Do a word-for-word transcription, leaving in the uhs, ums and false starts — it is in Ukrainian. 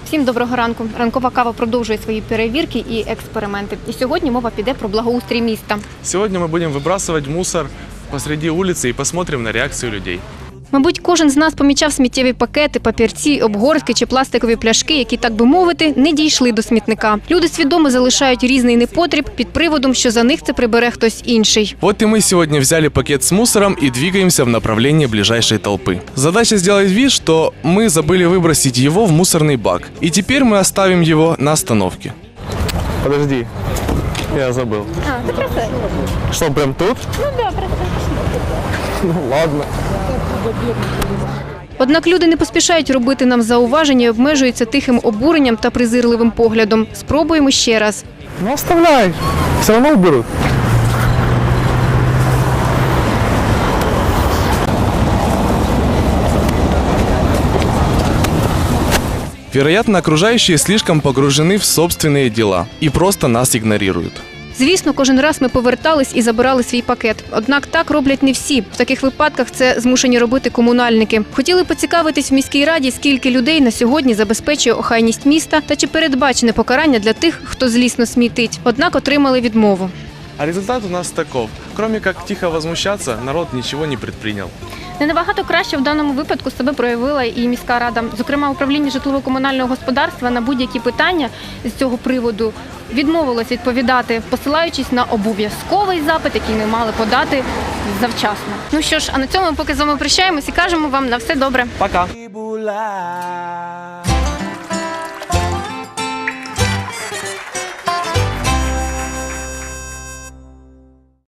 Всім доброго ранку. Ранкова кава продовжує свої перевірки і експерименти. І сьогодні мова піде про благоустрій міста. Сьогодні ми будемо вибрасувати мусор посреди вулиці і посмотримо на реакцію людей. Мабуть, кожен з нас помічав сміттєві пакети, папірці, обгортки чи пластикові пляшки, які, так би мовити, не дійшли до смітника. Люди свідомо залишають різний непотріб під приводом, що за них це прибере хтось інший. Вот и мы сегодня взяли пакет с мусором и двигаемся в направлении ближайшей толпы. Задача сделать вид, что мы забыли выбросить его в мусорный бак. И теперь мы оставим его на остановке. Подожди, я забыл. А, це просто. Что, прям тут? Ну да, просто. Ну ладно. Однак люди не поспішають робити нам зауваження і обмежуються тихим обуренням та презирливим поглядом. Спробуємо ще раз. Ну оставляй, все равно уберут. Вероятно, окружающие слишком погружены в собственные дела и просто нас игнорируют. Звісно, кожен раз ми повертались і забирали свій пакет. Однак так роблять не всі. В таких випадках це змушені робити комунальники. Хотіли поцікавитись в міській раді, скільки людей на сьогодні забезпечує охайність міста та чи передбачене покарання для тих, хто злісно смітить. Однак отримали відмову. А результат у нас таков. Кроме как тихо возмущаться, народ ничего не предпринял. Не набагато краще в даному випадку себе проявила і міська рада. Зокрема, управління житлово-комунального господарства на будь-які питання з цього приводу відмовилось відповідати, посилаючись на обов'язковий запит, який ми мали подати завчасно. Ну що ж, а на цьому ми поки з вами прощаємось і кажемо вам на все добре. Пока!